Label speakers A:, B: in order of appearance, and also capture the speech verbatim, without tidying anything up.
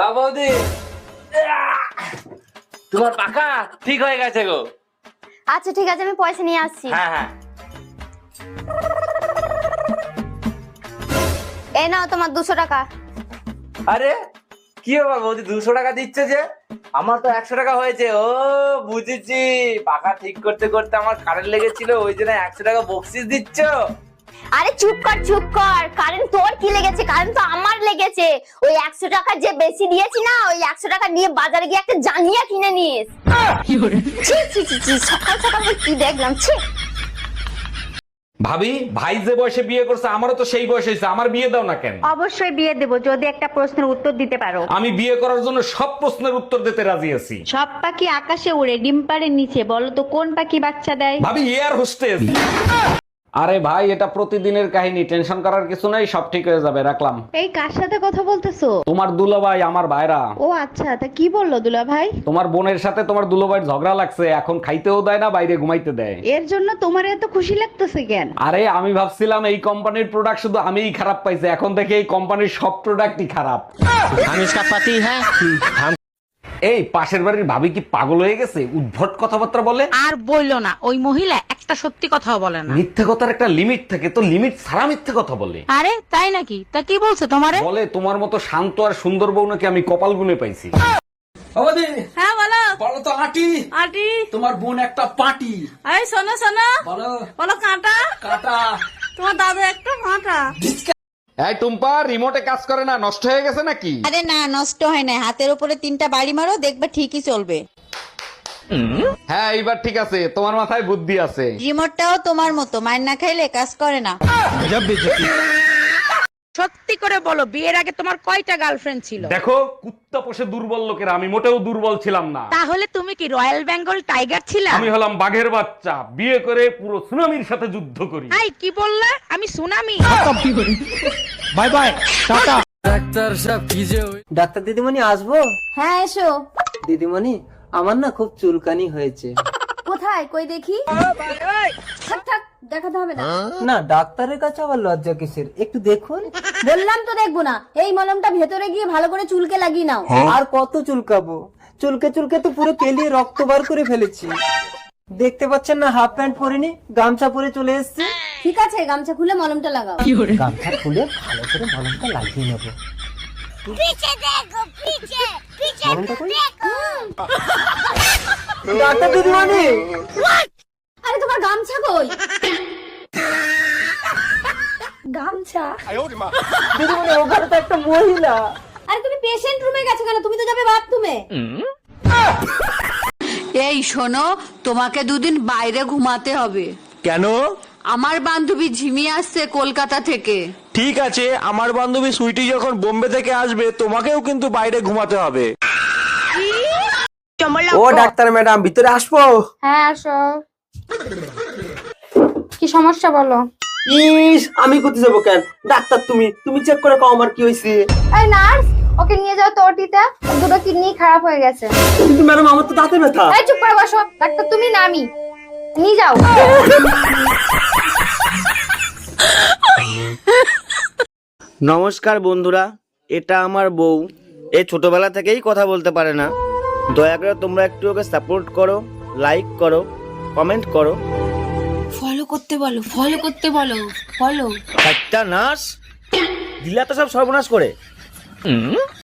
A: হ্যাঁ বৌদি, তোমার পাকা ঠিক হয়ে গেছে গো।
B: আচ্ছা ঠিক আছে, আমি পয়সা নিয়ে আসছি।
A: হ্যাঁ হ্যাঁ।
B: এই নাও তোমার দুশো টাকা।
A: আরে কি বাবা বৌদি, দুশো টাকা দিচ্ছে যে? আমার তো একশো টাকা হয়েছে। ও বুঝেছি, পাকা ঠিক করতে করতে আমার কারেন্ট লেগেছিল, ওই জন্য একশো টাকা বকশিস দিচ্ছ।
B: আরে চুপ কর চুপ কর, কারেন্ট তোর কি লেগেছে? কারেন্ট তো আমার লেগেছে। ওই একশো টাকা যে বেশি দিয়েছি না, ওই একশো টাকা নিয়ে বাজারে গিয়ে একটা জাঙ্গিয়া কিনে নিস। ছি ছি ছি ছি, সকাল সকাল আমি কি দেখলাম, ছি।
C: ভাবি, ভাই যে বয়সে বিয়ে করছে আমারও তো সেই বয়স হয়েছে, আমার বিয়ে দাও না কেন?
D: অবশ্যই বিয়ে দেব যদি একটা প্রশ্নের উত্তর দিতে পারো।
C: আমি বিয়ে করার জন্য সব প্রশ্নের উত্তর দিতে রাজি আছি।
D: সব পাখি আকাশে উড়ে, ডিম পাড়ের নিচে, বলো তো কোন পাখি বাচ্চা দেয়?
C: ভাবি, এয়ার হোস্টেস। আরে ভাই, এটা প্রতিদিনের কাহিনী, টেনশন করার কিছু নাই, সব ঠিক হয়ে যাবে, রাখলাম।
D: এই কার সাথে কথা বলতেছো?
C: তোমার দুলাভাই, আমার ভাইরা।
D: ও আচ্ছা, তা কি বললো দুলা ভাই?
C: তোমার বোনের সাথে তোমার দুলাভাইয়ের ঝগড়া লাগছে, এখন খাইতেও দেয় না, বাইরে ঘুমাইতে দেয়।
D: এর জন্য তোমার এত খুশি লাগতেছে কেন?
C: আরে আমি ভাবছিলাম এই কোম্পানির প্রোডাক্ট শুধু আমিই খারাপ পাইছি, এখন দেখে এই কোম্পানির সব প্রোডাক্টই খারাপ।
A: আমি इसका पति है।
C: এই পাশের বাড়ির ভাবি কি পাগল হয়ে গেছে? উদ্ভট কথাবার্তা বলে।
E: আর বললো না, ওই মহিলা একটা সত্যি কথাও বলে না।
C: মিথ্যে কথার একটা লিমিট থাকে, তো লিমিট ছাড়া মিথ্যে কথা বলে।
E: আরে তাই নাকি? তা কি বলছে তোমারে?
C: বলে তোমার মতো শান্ত আর সুন্দর বউ নাকি আমি কপাল গুনে পাইছি।
A: বৌদি,
E: হ্যাঁ বলো।
A: বলো তো আটি,
E: আটি।
A: তোমার বোন একটা পাটি।
E: এই শোনো শোনো,
A: বলো
E: বলো কাঁটা।
A: কাটা।
E: তোমার দাদু একটা কাঁটা।
C: এই টুম্পা, রিমোটে কাজ করে না, নষ্ট হয়ে গেছে নাকি?
F: আরে না, নষ্ট হয় না, হাতের উপরে তিনটা বাড়ি মারো, দেখবে ঠিকই চলবে।
C: হ্যাঁ এইবার ঠিক আছে, তোমার মাথায় বুদ্ধি আছে।
F: রিমোটটাও তোমার মতো, মার না খাইলে কাজ করে না।
E: সত্যি করে বলো, বিয়ের আগে তোমার কয়টা গার্লফ্রেন্ড ছিল?
C: দেখো, কুত্তা পোষে দুর্বল লোকেরা, আমি মোটেও দুর্বল ছিলাম না।
E: তাহলে তুমি কি রয়্যাল বেঙ্গল টাইগার ছিলা?
C: আমি হলাম বাঘের বাচ্চা, বিয়ে করে পুরো সুনামির সাথে যুদ্ধ করি।
E: এই কি বললে? আমি tsunami?
C: Bye bye, tata.
A: Doctor সাহেব কি যে
G: ডাক্তার দিদিমণি আসবো?
B: হ্যাঁ এসো।
G: দিদিমণি, আমার না খুব চুলকানি হয়েছে।
B: কোথায় কই দেখি? থাক থাক, দেখাতে হবে না।
G: না, ডাক্তারের কাছে আবার লজ্জা কিসের, একটু দেখুন।
B: বললাম তো দেখবো না। এই মলমটা ভেতরে গিয়ে ভালো করে চুলকে লাগিয়ে নাও।
G: আর কত চুলকাবো? চুলকে চুলকে তো পুরো কেলিয়ে রক্ত বার করে ফেলেছি। দেখতে পাচ্ছেন না, হাফ প্যান্ট পরিনি, গামছা পরে চলে এসেছি।
B: ঠিক আছে, গামছা খুলে মলমটা লাগাও।
G: গামছা খুলে ভালো করে মলমটা লাগিয়ে নেবো। মলমটা কই? ডাক্তার দিদিমণি,
B: আরে তোমার গামছা কই? গামছা?
G: দিদিমণি, ওখানে তো একটা মহিলা।
B: আরে তুমি পেশেন্ট রুমে গেছো কেন? তুমি তো যাবে বাথরুমে।
F: এই শোনো, তোমাকে দুদিন বাইরে ঘুমাতে হবে।
H: কেন?
F: আমার বান্ধবী ঝিমি আসছে কলকাতা থেকে।
H: ঠিক আছে, আমার বান্ধবী সুইটি যখন বোম্বে থেকে আসবে তোমাকেও কিন্তু বাইরে ঘুমাতে হবে।
G: ও ডাক্তার ম্যাডাম, ভিতরে আসবো?
B: হ্যাঁ আসো। কি সমস্যা বলো?
G: ইস, আমি কোথায় যাবো কেন? ডাক্তার তুমি তুমি চেক করে কও আমার কি হয়েছে।
B: এই নার্স, ওকে নিয়ে যাও তো ওটিতে। ওর দুটো কিডনি খারাপ হয়ে গেছে।
G: কিন্তু ম্যাডাম, আমার তো দাঁতে ব্যথা।
B: এই চুপ করে বসো। ডাক্তার তুমি না আমি। নিয়ে যাও।
I: নমস্কার বন্ধুরা, এটা আমার বউ। এ ছোটবেলা থেকেই কথা বলতে পারে না। দয়া করে তোমরা একটু ওকে সাপোর্ট করো, লাইক করো, কমেন্ট করো।
F: ফলো করতে বলো, ফলো করতে বলো, ফলো।
I: একটা নাশ দিলা তো সব সর্বনাশ করে।